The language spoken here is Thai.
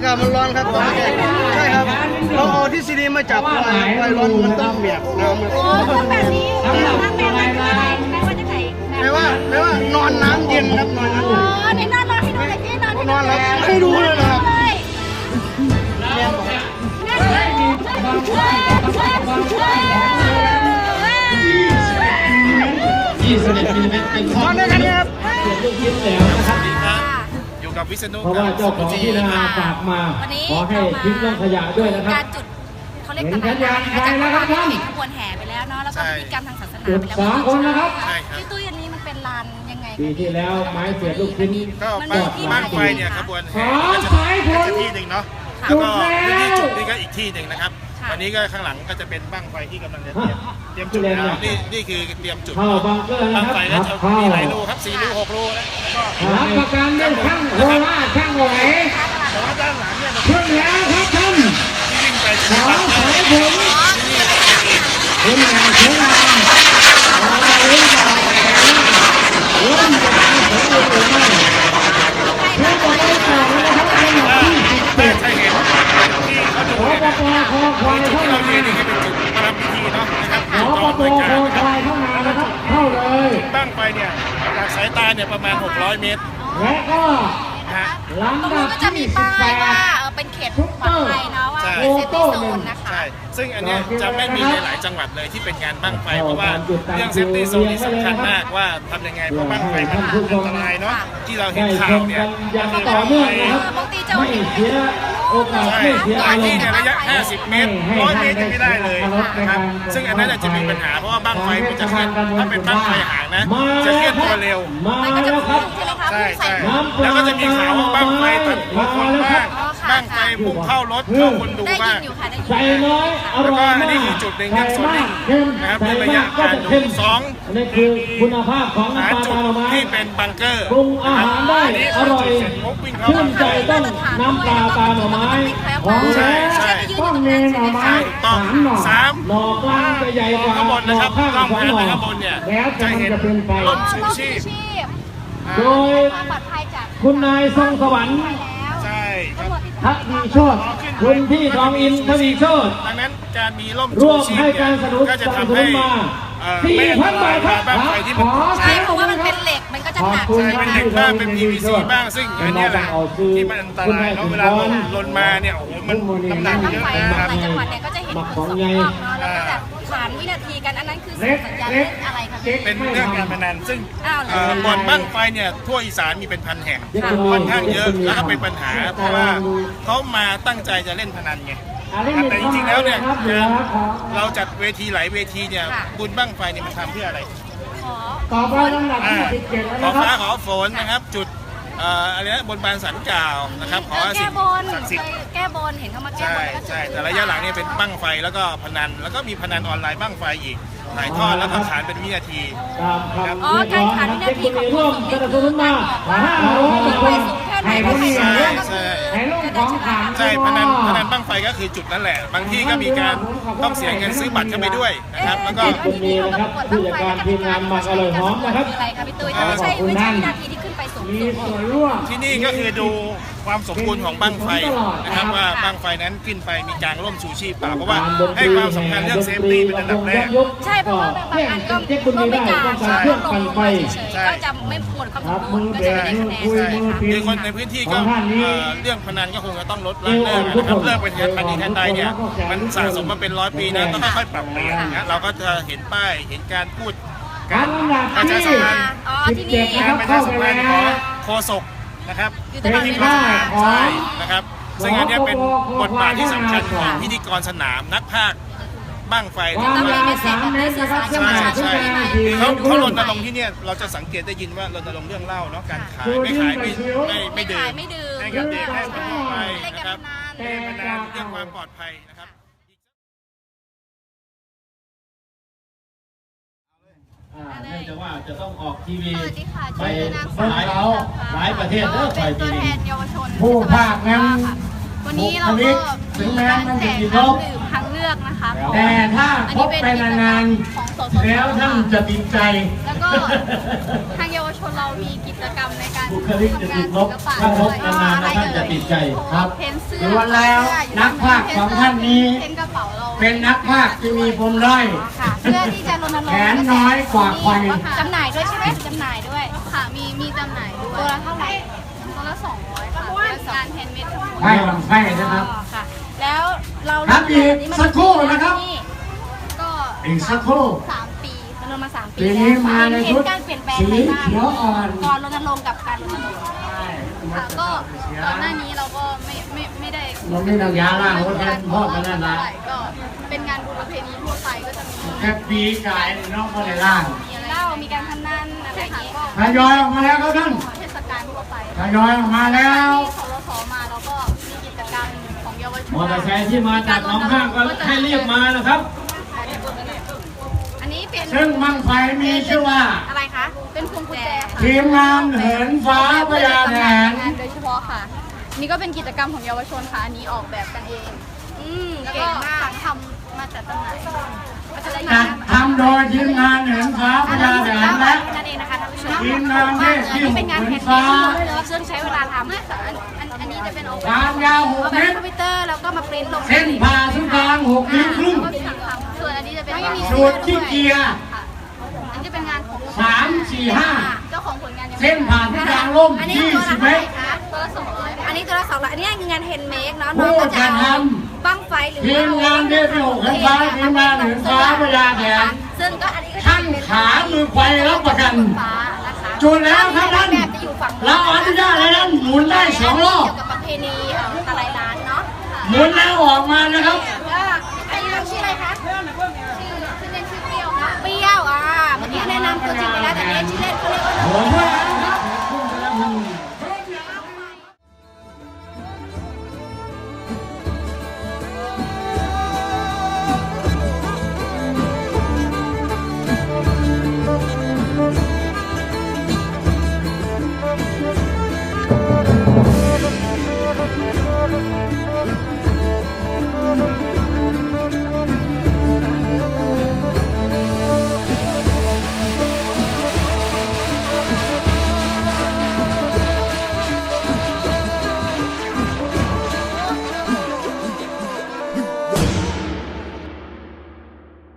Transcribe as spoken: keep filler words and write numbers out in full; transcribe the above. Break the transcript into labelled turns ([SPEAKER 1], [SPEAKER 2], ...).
[SPEAKER 1] าศมันร้อนครับตอนนี้ใช่ครับเราเอาทฤษฎีมาจับไฟไฟร้อนมันต้องเบียดน้ำ
[SPEAKER 2] โอ้ต้องแบบนี้นั่งแม่ว่าจะไหนแม่ว่าจะไหน
[SPEAKER 1] แปลว่าแปลว่านอนน้ำเย็นครับนอนน้ำ
[SPEAKER 2] อ๋
[SPEAKER 1] เย็น
[SPEAKER 2] อในนอนนอนให้ดูเลยที่นอนให้
[SPEAKER 1] นอนแล้วให้ดูเลยนะครับ
[SPEAKER 3] ยี่สิบเอ็ดมิลลิเมตรเป็นข้อมูลเสียลูกยิ้มแล้วนะครับ
[SPEAKER 4] อยู่กับวิษณุ
[SPEAKER 3] เพราะว่าเจ้าของที่นาฝากมาขอให้ทิ้งเรื่องขยะด้วยนะครับ
[SPEAKER 2] การจุดเขาเรียกตะยานไปแล้วครับท่านขบวนแห่ไปแล้วเนาะแล้วก็พิธีกรรมทางศาสนาไปแล้ว
[SPEAKER 3] สามคนนะครับ
[SPEAKER 2] พี่ตุ้ยอันนี้มันเป็นลานยังไง
[SPEAKER 3] ปีที่แล้วไม้เสียลูกชิ้น
[SPEAKER 4] ก็บ้างบ้างไฟเนี่ยขบวนแห่ก็จะจะที่หนึ่งเนาะแล้วก็พื้นที่จุดนี่ก็อีกที่หนึ่งนะครับวันนี้ก็ข้างหลังก็จะเป็นบ้างไฟที่กำลังจะเตรียมเตรียมจุดแล้วนี่นี่คือเตรียมจุด
[SPEAKER 3] เข้าบังเกอร์นะ
[SPEAKER 4] บ้าง
[SPEAKER 3] ครับ
[SPEAKER 4] ไฟแล้วจะมีหลายรูครับสี่รูหกรูแล้วก็
[SPEAKER 3] รับประกันด้วยช่างโคราชช่างไหว
[SPEAKER 4] แต่ว่าด้านหลังเนี่ย
[SPEAKER 3] ขึ้นแล้วครับท่าน
[SPEAKER 4] ที่วิ่งไป
[SPEAKER 3] สองสายผมคุณงานเชียงรายเราเรื่องต่อไปร่วมกับการสมบูรณ์หรือไม่เพื่อจะไปต่อนะครับเป็นหลักที่สิบ
[SPEAKER 4] ได้
[SPEAKER 3] เจ็ด
[SPEAKER 4] ใช่เห็นที่เขาดู
[SPEAKER 3] ขอ
[SPEAKER 4] เนี่ย
[SPEAKER 3] ปปคอควายเข้า
[SPEAKER 4] ที่เรา
[SPEAKER 3] มา
[SPEAKER 4] เรียนนี่ก็เป็นจุดประรำพิธีเนาะนะครับ
[SPEAKER 3] ขอปปคอควายเข้ามานะครับเข้าเลย
[SPEAKER 4] บ้างไฟเนี่ยจากสายตาเนี่ยประมาณหกร้อยเมตร
[SPEAKER 3] และก็
[SPEAKER 4] นะฮะ
[SPEAKER 3] ลำ
[SPEAKER 2] ตรง
[SPEAKER 3] ดั
[SPEAKER 2] นู้
[SPEAKER 3] บ
[SPEAKER 2] นก็จะมี
[SPEAKER 3] ที่สิบ
[SPEAKER 2] ป้าย
[SPEAKER 3] แป
[SPEAKER 2] ว่า
[SPEAKER 3] ด
[SPEAKER 2] เออเป็นเขตปลอดภัยเนาะว่าเป็นเซฟตี้โซนนะคะ
[SPEAKER 4] ใช่ ซึ่งอันเนี้ยจะไม่มีในหลายจังหวัดเลยที่เป็นงานบั้งไฟเพราะว่าเรื่องเซฟตี้โซนนี่สำคัญมากว่าทำยังไงเพราะบั้งไฟมันอันตรายเนาะที่เราเห็น
[SPEAKER 3] ได้ช
[SPEAKER 4] ข่าว
[SPEAKER 3] ม
[SPEAKER 4] เนี่ย
[SPEAKER 3] กันอย่างต่อเนื่องนะครับไม่เสียโอกาส
[SPEAKER 4] ใช่
[SPEAKER 3] ไม่เสีย
[SPEAKER 4] บา
[SPEAKER 3] อาง ร
[SPEAKER 4] ที่
[SPEAKER 3] มณ์
[SPEAKER 4] เนี่ยระยะ ห้าสิบ เมตรร้อยเมตรยังไม่ได้เลยนะครับซึ่งอันนั้นจะมีปัญหาเพราะว่าบั้งไฟมันจะเคลื่อนถ้าเป็นบั้งไฟห่างนะจะเคลื่อนตัวเร็ว
[SPEAKER 3] มา
[SPEAKER 2] มันก็จะ
[SPEAKER 3] แล้วค
[SPEAKER 2] พุ่
[SPEAKER 3] รับ
[SPEAKER 2] งใช่ไหมคะ
[SPEAKER 4] ใช่
[SPEAKER 2] พุ่งใส่
[SPEAKER 4] ใช่แล้วก็จะมีข่าวว่าบั้งไฟตัดหัวคนบ้างบั้งไฟพุ่งเข้ารถเข้าคนดู
[SPEAKER 2] ได้ยิ
[SPEAKER 4] บ้าง
[SPEAKER 2] นอยู่ค่ะได้ยิน
[SPEAKER 3] ใส่น้อยอ
[SPEAKER 4] แล้ว
[SPEAKER 3] ร่
[SPEAKER 4] ก็
[SPEAKER 3] อย
[SPEAKER 4] อัน
[SPEAKER 3] มา
[SPEAKER 4] นี้
[SPEAKER 3] ก
[SPEAKER 4] คือจุดหนึ่ง
[SPEAKER 3] ใส่
[SPEAKER 4] เรื่องโซน
[SPEAKER 3] มา
[SPEAKER 4] นิ่
[SPEAKER 3] ก
[SPEAKER 4] ง
[SPEAKER 3] เค็ม
[SPEAKER 4] นะครับ
[SPEAKER 3] ใส่
[SPEAKER 4] ในระ
[SPEAKER 3] มาย
[SPEAKER 4] ะ
[SPEAKER 3] กก็
[SPEAKER 4] การ
[SPEAKER 3] จะ
[SPEAKER 4] ดู
[SPEAKER 3] เค็ม
[SPEAKER 4] สอง
[SPEAKER 3] อันนี้คือคุณภาพของ
[SPEAKER 4] หา
[SPEAKER 3] น้ำปลา
[SPEAKER 4] จุด
[SPEAKER 3] ตาลไม้
[SPEAKER 4] ที่เป็นบังเกอร์
[SPEAKER 3] ปรุงอาหารได้
[SPEAKER 4] นนี้
[SPEAKER 3] อร่อย
[SPEAKER 4] เสร็จปุ๊บวิ่งเข้า
[SPEAKER 3] ชื่
[SPEAKER 4] มาน
[SPEAKER 3] ใจต้องน้ำปลาตาหน่อไม้ของแท้ต้องเนหน่อไม้
[SPEAKER 4] ต้อง
[SPEAKER 3] สามหน่อ
[SPEAKER 4] สาม
[SPEAKER 3] หน่อกลางจะใหญ่กว่า
[SPEAKER 4] ข้างบน
[SPEAKER 3] หน่
[SPEAKER 4] นะ
[SPEAKER 3] อ
[SPEAKER 4] ครับ
[SPEAKER 3] ข้าง
[SPEAKER 4] ต้อง
[SPEAKER 3] สอง
[SPEAKER 4] แผน
[SPEAKER 3] หน่อ
[SPEAKER 4] ข้างบนเนี่ย
[SPEAKER 3] แล้วแต่
[SPEAKER 4] จะ
[SPEAKER 3] มัน
[SPEAKER 4] เห็น
[SPEAKER 3] จะเป็นไป
[SPEAKER 4] ร่ม
[SPEAKER 2] อ๋อ
[SPEAKER 4] ชู
[SPEAKER 2] ร่ม
[SPEAKER 4] ชี
[SPEAKER 2] ชู
[SPEAKER 4] พ
[SPEAKER 2] ชีพ
[SPEAKER 3] โดย
[SPEAKER 2] ความปลอดภัยจาก
[SPEAKER 3] คุณนายทรงสวรรค์
[SPEAKER 2] ไปแล้ว
[SPEAKER 4] ใช่ครับ
[SPEAKER 3] ทวีโชตคุณพี่ทองอินทวีโชต
[SPEAKER 4] ดังนั้นการมีร่ม
[SPEAKER 3] ร่
[SPEAKER 4] ชู
[SPEAKER 3] วม
[SPEAKER 4] ชีพ
[SPEAKER 3] ให้
[SPEAKER 4] เนี่
[SPEAKER 3] การ
[SPEAKER 4] ย
[SPEAKER 3] สนับสนุน
[SPEAKER 4] ก็จะ
[SPEAKER 3] สนับ
[SPEAKER 4] ทำ
[SPEAKER 3] สนุ
[SPEAKER 4] ให้
[SPEAKER 3] นมา
[SPEAKER 4] เอ่อ
[SPEAKER 3] สี่
[SPEAKER 4] ไม่อัน
[SPEAKER 3] พั
[SPEAKER 4] ต
[SPEAKER 3] น
[SPEAKER 4] รา
[SPEAKER 3] บาย ทครับ
[SPEAKER 4] บ้างไฟที่มัน
[SPEAKER 3] ขอ
[SPEAKER 2] ใช่เพราะว่ามันเป็นเหล็กมันก็จะหนัก
[SPEAKER 3] ขอบคุณ
[SPEAKER 4] ใช่เป็นเหล็กบ้างเป็น พี วี ซี บ้างซึ่งอันเนี้ยแหละที่มันอันตรายเนาะเวลาลนลนมาเนี่ยโอ้โหมันน้ำหนัก
[SPEAKER 2] ทั้ง
[SPEAKER 4] เยอะ
[SPEAKER 2] ไฟ
[SPEAKER 4] นะ
[SPEAKER 2] ทั้ง
[SPEAKER 4] ครับ
[SPEAKER 2] หลายจังหวัดเนี่ยก็จะเห็นผลสองกล้องเนาะแล้วก็จะขานวินาทีกันอันนั้นคือสัญญาณเล่นอะไรคะพี่
[SPEAKER 4] เป็นเรื่องการพนันซึ่ง
[SPEAKER 2] อ้าวเหรอ
[SPEAKER 4] เอ่อบ่อนบ้างไฟเนี่ยทั่วอีสานมีเป็นพันแห่งค่อนข้างเยอะแล้วก็เป็นปัญหา เพราะว่าเขามาตั้งใจจะเล่นพนันไงครับแต่จริงๆแล้วเนี่ยการเราจัดเวทีหลายเวทีเนี่ยบุญบ้างไฟเนี่ยมันทำเพื่ออะไร
[SPEAKER 2] ขอ
[SPEAKER 3] ต่อไปลำดับ
[SPEAKER 4] อ่า
[SPEAKER 3] ที่สิบเจ็ดแล้ว
[SPEAKER 4] ขอ
[SPEAKER 3] นะค
[SPEAKER 4] ฟ้า
[SPEAKER 3] รับ
[SPEAKER 4] ขอฝนนะครับจุดเอ่ออะไรนะบนบานสันกล่าวนะครับขอ
[SPEAKER 2] เออ
[SPEAKER 4] สิ่
[SPEAKER 2] แก้
[SPEAKER 4] ง
[SPEAKER 2] บน
[SPEAKER 4] ศักดิ์สิทธิ์
[SPEAKER 2] แก้บนเห็นเขามาแก้
[SPEAKER 4] ใช่
[SPEAKER 2] บนแล้วก็
[SPEAKER 4] ใช่แต่ระยะหลังเนี่ยเป็นบั้งไฟแล้วก็พนันแล้วก็มีพนันออนไลน์บั้งไฟอีกถ่ายทอดแล้วก็ขานเป็นวินาที
[SPEAKER 3] ตามคำ
[SPEAKER 2] อ๋อ
[SPEAKER 3] เรียก
[SPEAKER 2] การ
[SPEAKER 3] ร้อง
[SPEAKER 2] ขาน
[SPEAKER 3] นะ
[SPEAKER 2] วิ
[SPEAKER 3] ครั
[SPEAKER 2] นา
[SPEAKER 3] บ
[SPEAKER 2] ที
[SPEAKER 3] เจ็ด
[SPEAKER 2] ของ
[SPEAKER 3] คน
[SPEAKER 2] ผู้
[SPEAKER 3] ร่วม
[SPEAKER 2] สูง
[SPEAKER 3] ส
[SPEAKER 2] นี่
[SPEAKER 3] นับสนุนมาห้าร้อย
[SPEAKER 2] คือ
[SPEAKER 3] คน
[SPEAKER 2] สูงแค่ไหน
[SPEAKER 3] ให้
[SPEAKER 2] ก็
[SPEAKER 3] ผู้
[SPEAKER 2] ช
[SPEAKER 3] นี้
[SPEAKER 2] นะ
[SPEAKER 3] เล่น
[SPEAKER 2] ก็คือ
[SPEAKER 3] ให้ลูกของขัง
[SPEAKER 4] ใช่พนันพนันบั้งไฟก็คือจุดนั่นแหละ บางที่ก็มีการต้องเสียเงินซื้อบัตรเข้าไปด้วยนะครับแล้วก็
[SPEAKER 3] คนนี้นะครับผู้จัดการทีมงานหมักอร่อยหอมนะครับ
[SPEAKER 2] อะไรคะพี่ตุ้ยถ้าไม่ใช่ไม่ใช่วินาทีที่ขึ้นไปสูง
[SPEAKER 3] มี
[SPEAKER 2] สุด
[SPEAKER 3] ส่วนร่วม
[SPEAKER 4] ที่นี่ก็คือดูความสมบูรณ์ของบั้งไฟนะครับว่าบั้งไฟนั้นขึ้นไปมีกางร่มชูชีพเปล่าเพราะว่าให้ความสำคัญเรื่องเซฟตี้เป็นอันดับแรก
[SPEAKER 2] ใช่เพราะว่าบางอันก็ก็ไม่กล้า
[SPEAKER 3] ต้อง
[SPEAKER 2] ใช่
[SPEAKER 3] การเครื่อง
[SPEAKER 2] ล
[SPEAKER 3] ปั่น
[SPEAKER 2] ง
[SPEAKER 3] ไฟ
[SPEAKER 2] เฉยๆก็จะไม่หมดความส
[SPEAKER 3] ครั
[SPEAKER 2] ม
[SPEAKER 3] บ
[SPEAKER 2] บู
[SPEAKER 3] มื
[SPEAKER 2] ร
[SPEAKER 3] อ
[SPEAKER 2] ณ์ก็
[SPEAKER 3] แบ
[SPEAKER 2] จะไม่
[SPEAKER 3] ก
[SPEAKER 2] ได้
[SPEAKER 3] มือ
[SPEAKER 2] คะแนน
[SPEAKER 3] คุยมือพิม
[SPEAKER 4] คือ
[SPEAKER 3] พ์
[SPEAKER 4] คนในพื้นที่ก็
[SPEAKER 3] ของท่านนี้
[SPEAKER 4] เอ่อเรื่องพนันก็คงจะต้องลดละเลิกนะครับเลิกเป็นการพนันทันใดเนี่ยมันสะสมมาเป็นร้อยปีนะต้องค่อยๆปรับเปลี่ยนนะเราก็จะเห็นป้ายเห็นการพูด
[SPEAKER 3] กา
[SPEAKER 4] การ ร
[SPEAKER 3] ลำดับ
[SPEAKER 4] ประ
[SPEAKER 3] ที่
[SPEAKER 4] ชาสัมพันธ์
[SPEAKER 2] อ๋อที่
[SPEAKER 3] สิบ
[SPEAKER 2] นี่
[SPEAKER 3] เจ็ด
[SPEAKER 4] การประชาสัมพันธ์ของโฆษกนะครับ
[SPEAKER 2] อยู่ต
[SPEAKER 3] เป็น
[SPEAKER 2] ลอดเว
[SPEAKER 3] ที่
[SPEAKER 2] ลา
[SPEAKER 3] ท่าของ
[SPEAKER 4] ใช่นะครับซึ่งอันเนี้ยเป็นบทบาทที่สำคัญของพิธีกรสนามนักพากย์บ้างไฟ
[SPEAKER 3] ค
[SPEAKER 4] เนี่
[SPEAKER 3] วาย ม
[SPEAKER 4] ต้อง
[SPEAKER 3] ยาวสามเมตรนะครับเส้น
[SPEAKER 4] ใช่
[SPEAKER 3] ผ่าศูน
[SPEAKER 4] ใช่
[SPEAKER 3] ย์กลาง
[SPEAKER 4] คื
[SPEAKER 3] สี่
[SPEAKER 4] อ
[SPEAKER 3] เม
[SPEAKER 4] เขา
[SPEAKER 3] ตรค
[SPEAKER 4] เขา
[SPEAKER 3] รึ่ง
[SPEAKER 4] รณรงค์ที่เนี่ยเราจะสังเกตได้ยินว่ารณรงค์เรื่องเหล้าเนาะการขาย
[SPEAKER 3] ชู
[SPEAKER 4] ไม่
[SPEAKER 3] นิ้ว
[SPEAKER 4] ขายไม่
[SPEAKER 3] ใส่คิ้ว
[SPEAKER 4] ไม่ไม่ดื่
[SPEAKER 2] ขาม ยไม่ดื่ม
[SPEAKER 4] ให้กับเด็กให้คนทั่วไป
[SPEAKER 2] เล่น
[SPEAKER 4] นะ
[SPEAKER 2] การ
[SPEAKER 4] ครับ
[SPEAKER 2] พนัน
[SPEAKER 4] เล่นพนันเรื่องความปลอดภัยนะครับ
[SPEAKER 3] อ่าเนื่องจากว่าจะต้องออกทีวี
[SPEAKER 2] สวัสดีค่ะ
[SPEAKER 3] ไป
[SPEAKER 2] ชื่อนาง
[SPEAKER 3] ห
[SPEAKER 2] สาว
[SPEAKER 3] ลายหลายประเทศเด้อ
[SPEAKER 2] เป็
[SPEAKER 3] ไป
[SPEAKER 2] นตั
[SPEAKER 3] ปี
[SPEAKER 2] วแท
[SPEAKER 3] นี้
[SPEAKER 2] นเยาวชน
[SPEAKER 3] ผู้ภาคนั้น
[SPEAKER 2] วันนี้เรา
[SPEAKER 3] บุคลิ
[SPEAKER 2] ก็
[SPEAKER 3] กถึงแม้
[SPEAKER 2] การ
[SPEAKER 3] มัน
[SPEAKER 2] แจ
[SPEAKER 3] จะ
[SPEAKER 2] ก
[SPEAKER 3] ติดล
[SPEAKER 2] น้ำ
[SPEAKER 3] บ
[SPEAKER 2] ดื่มทางเลือกนะคะ
[SPEAKER 3] แต่ถ้า
[SPEAKER 2] อัน
[SPEAKER 3] พ
[SPEAKER 2] นี้
[SPEAKER 3] บ
[SPEAKER 2] เป็น
[SPEAKER 3] ไปนาน
[SPEAKER 2] ของสส
[SPEAKER 3] ๆแล้วท่านจะติดใจ
[SPEAKER 2] แล้วก็ทางเยาวชนเรามีกิจกรรมในการ
[SPEAKER 3] บุคลิกจะติดลบถ้าพบนานๆแล้วท่านจะติดใจครับ
[SPEAKER 2] เห็นเสื้อ
[SPEAKER 3] ล้วนแล้วนักพากย์ของท่านนี้
[SPEAKER 2] เห็นกระเป๋าเรา
[SPEAKER 3] เป็นนักพากย์ที่มีปมด้อย
[SPEAKER 2] ค่ะเพื่อที่จะรณรงค์
[SPEAKER 3] แขนน้อยกว่าไฟ
[SPEAKER 2] จำหน่ายด้วยใช่ไหมจำหน่ายด้วยค่ะมีมีจำหน่ายด้วยตัวละเท่าไหร่ตัวละสองร้อยค่ะเป็นงานแฮนด์เมดทั้งหมด
[SPEAKER 3] ไพ่ลำไพ่นะครับ
[SPEAKER 2] อ๋อค่ะแล้วเรา
[SPEAKER 3] ครับอีกสักครู่นะครับ
[SPEAKER 2] ก็
[SPEAKER 3] อีกสักครู่
[SPEAKER 2] สามปีรณรงค์มาสามปี
[SPEAKER 3] ปีนี้มาในชุด
[SPEAKER 2] เห็นการเปลี่ยนแปลง
[SPEAKER 3] สี
[SPEAKER 2] ไปบ้าง
[SPEAKER 3] เขียวอ่อน
[SPEAKER 2] ก่อนรณรงค์กับการรณรงค์
[SPEAKER 5] ค่ะก็ก่อนหน้านี้เราก็ไม่ไม่ไม่ได้
[SPEAKER 3] มันไม่นักยาล่างว่าแทนพ่อกันนั่นละ
[SPEAKER 5] เท่าไหร่ก็เป็นงานบุญประเพณีทั่วไปก็จะมี
[SPEAKER 3] แค่ปีกายน้องก็ได้ล่าง
[SPEAKER 5] มีอะไร
[SPEAKER 2] เหล้ามีการพนันอะไรอย่าง
[SPEAKER 5] ค่ะ
[SPEAKER 2] เงี้ย
[SPEAKER 5] ก็
[SPEAKER 3] ทยอยออกมาแล้วครับท่าน
[SPEAKER 5] เทศกาลทั่วไป
[SPEAKER 3] ทยอยออกมาแล้ว
[SPEAKER 5] ที่สรสมาแล้วก็มีกิจกรรมของเยาวชน
[SPEAKER 3] มอเตอร์ไซค์ที่มาจากหนองห้างก็ให้รีบมานะครับ
[SPEAKER 2] อันนี้เป็น
[SPEAKER 3] ซึ่งบังไฟมีชื่อว่า
[SPEAKER 2] อะไรคะ
[SPEAKER 5] เป็นพวงกุญแจค่ะ
[SPEAKER 3] ทีมงานเหินฟ้าพญาแถน
[SPEAKER 5] งานโดยเฉพาะค่ะ นี่ก็เป็นกิจกรรมของเยาวชนค่ะอันนี้ออกแบบกันเอง
[SPEAKER 2] อืม
[SPEAKER 5] แล้ว
[SPEAKER 2] เก่
[SPEAKER 5] ก็
[SPEAKER 2] งมาก
[SPEAKER 5] สั่งทำมาจากจำหน่ายก็จะได้
[SPEAKER 3] จัดทำโดยทีมงานเหินฟ้าพญาแถนและ
[SPEAKER 2] นั่นเองนะคะท่านผู้ชม
[SPEAKER 3] ทีมงานเทศที่
[SPEAKER 2] อัน
[SPEAKER 3] ห
[SPEAKER 2] นี้เป็น
[SPEAKER 3] ก
[SPEAKER 2] งาน
[SPEAKER 3] เหิ
[SPEAKER 2] แฮ
[SPEAKER 3] น
[SPEAKER 2] นด์เม
[SPEAKER 3] ฟ้า
[SPEAKER 2] ดซึ่งใช้เวลาทำ
[SPEAKER 5] ไม่ค่ะอันอันอันนี้จะเป็นออก
[SPEAKER 3] ความยาวหก
[SPEAKER 2] เอาแบ
[SPEAKER 3] เม
[SPEAKER 2] บ
[SPEAKER 3] ตร
[SPEAKER 2] คอมพิวเตอร์แล้วก็มาปริ้นลง
[SPEAKER 3] เส้นผ่าศูนย์กลางหกนิ้วครึ่ง
[SPEAKER 5] ก็สั่งทำส่วนอันนี้จะเป็น
[SPEAKER 3] สูตรที่เกียร์
[SPEAKER 5] ค่ะอันนี้เป็นงานของ
[SPEAKER 3] สามสี่ห้า
[SPEAKER 5] เจ้าของผลงานยัง
[SPEAKER 3] เส้นผ่าศูนย์กลางล่ม
[SPEAKER 2] อันนี้
[SPEAKER 3] ยี่
[SPEAKER 2] ตัว
[SPEAKER 3] สิ
[SPEAKER 2] ละ
[SPEAKER 3] บเม
[SPEAKER 2] เท่าไห
[SPEAKER 3] ต
[SPEAKER 2] ร่
[SPEAKER 3] ร
[SPEAKER 2] คะ
[SPEAKER 5] ตัวละสองร้อย
[SPEAKER 2] อันนี้ตัวละสองร้อยอันนี้คืองานแฮนด์เมดเนาะ
[SPEAKER 3] ผู้
[SPEAKER 2] น้องก็จะ
[SPEAKER 3] จัด
[SPEAKER 2] เอา
[SPEAKER 3] ท
[SPEAKER 2] บั้งไฟหรือ
[SPEAKER 3] ทีมงานเทศที่หกเหินฟ้าทีมงานเหินฟ้าพญาแถน
[SPEAKER 2] ซึ่งก็อันนี้ก็จะ
[SPEAKER 3] ท่าน
[SPEAKER 2] เป็น
[SPEAKER 3] ขามือไฟรับประกัน
[SPEAKER 2] ฟ้านะคะ
[SPEAKER 3] จุดแล้วครับท่าน
[SPEAKER 2] แบบจะอยู่ฝั่ง
[SPEAKER 3] เราอนุญาตให้ท่านหมุนได้สองรอบ
[SPEAKER 2] เกี่ยวกับประเพณีเอ่อตะไลล้านเนาะ
[SPEAKER 3] หมุนแล้วออกมานะครับ
[SPEAKER 2] ก็ไอ้น้องชื่ออะไรคะ
[SPEAKER 5] ชื่อชื่อเล่นชื่อเปรี้ยวค่ะ
[SPEAKER 2] เปรี้ยวอ่ะเมื่อกี้แนะนำตัวจริงไปแล้วแต่เนี้ชื่อเล่นเขาเรียกว่า
[SPEAKER 3] ผมว่า